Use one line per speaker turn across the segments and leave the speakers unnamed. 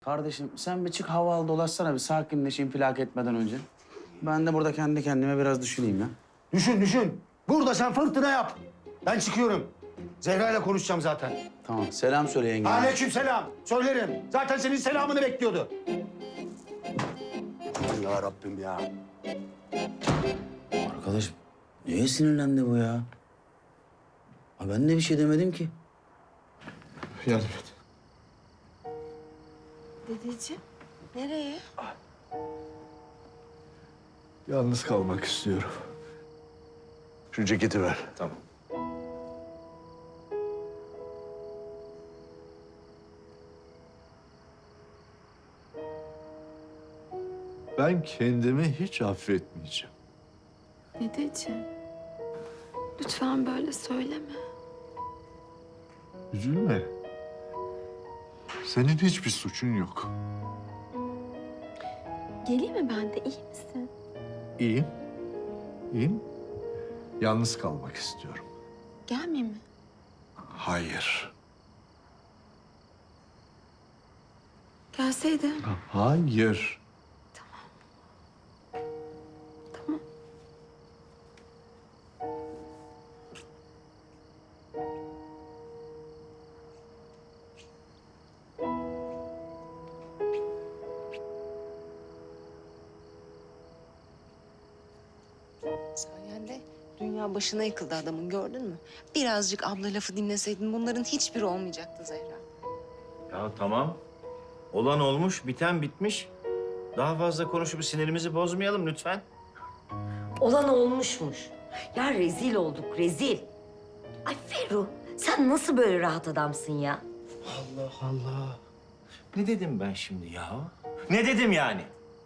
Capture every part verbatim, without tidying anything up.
Kardeşim sen bir çık hava al dolaşsana bir sakinleş infilak etmeden önce. Ben de burada kendi kendime biraz düşüneyim ya.
Düşün düşün. Burada sen fırtına yap. Ben çıkıyorum. Zehra ile konuşacağım zaten.
Tamam selam söyle yenge.
Aleykümselam. Söylerim. Zaten senin selamını bekliyordu. Aman ya Rabbim ya.
Arkadaş niye sinirlendi bu ya? Ha, ben de bir şey demedim ki.
Yardım et.
Dedeciğim, nereye?
Yalnız kalmak istiyorum. Şu ceketi ver. Tamam. Ben kendimi hiç affetmeyeceğim.
Dedeciğim, lütfen böyle söyleme.
Üzülme. Senin hiçbir suçun yok.
Geleyim mi ben de, iyi misin?
İyiyim. İyiyim. Yalnız kalmak istiyorum.
Gelmeyeyim mi?
Hayır.
Gelseydim.
Hayır.
Tamam.
Sayende dünya başına yıkıldı adamın, gördün mü? Birazcık abla lafı dinleseydin bunların hiçbiri olmayacaktı Zehra.
Ya tamam. Olan olmuş, biten bitmiş. Daha fazla konuşup sinirimizi bozmayalım lütfen.
Olan olmuşmuş. Ya rezil olduk, rezil. Ay Ferruh, sen nasıl böyle rahat adamsın ya?
Allah Allah. Ne dedim ben şimdi ya? Ne dedim yani?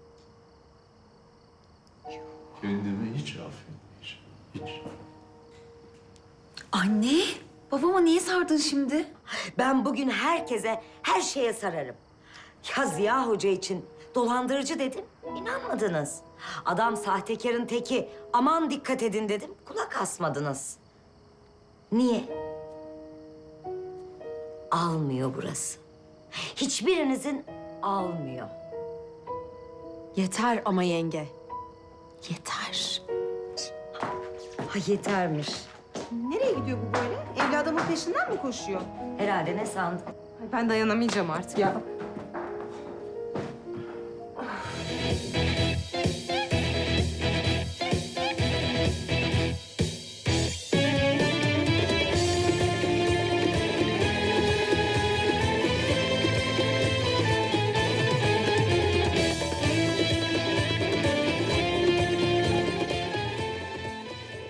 Kendimi hiç affetmeyeceğim. Hiç.
Anne, babama niye sardın şimdi? Ben bugün herkese, her şeye sararım. Ya Ziya Hoca için dolandırıcı dedim, inanmadınız. Adam sahtekarın teki, aman dikkat edin dedim, kulak asmadınız. Niye? Almıyor burası. Hiçbirinizin almıyor.
Yeter ama yenge.
Yeter. Ha yetermiş.
Nereye gidiyor bu böyle? Evli adamın peşinden mi koşuyor?
Herhalde ne sandın?
Ay ben dayanamayacağım artık ya.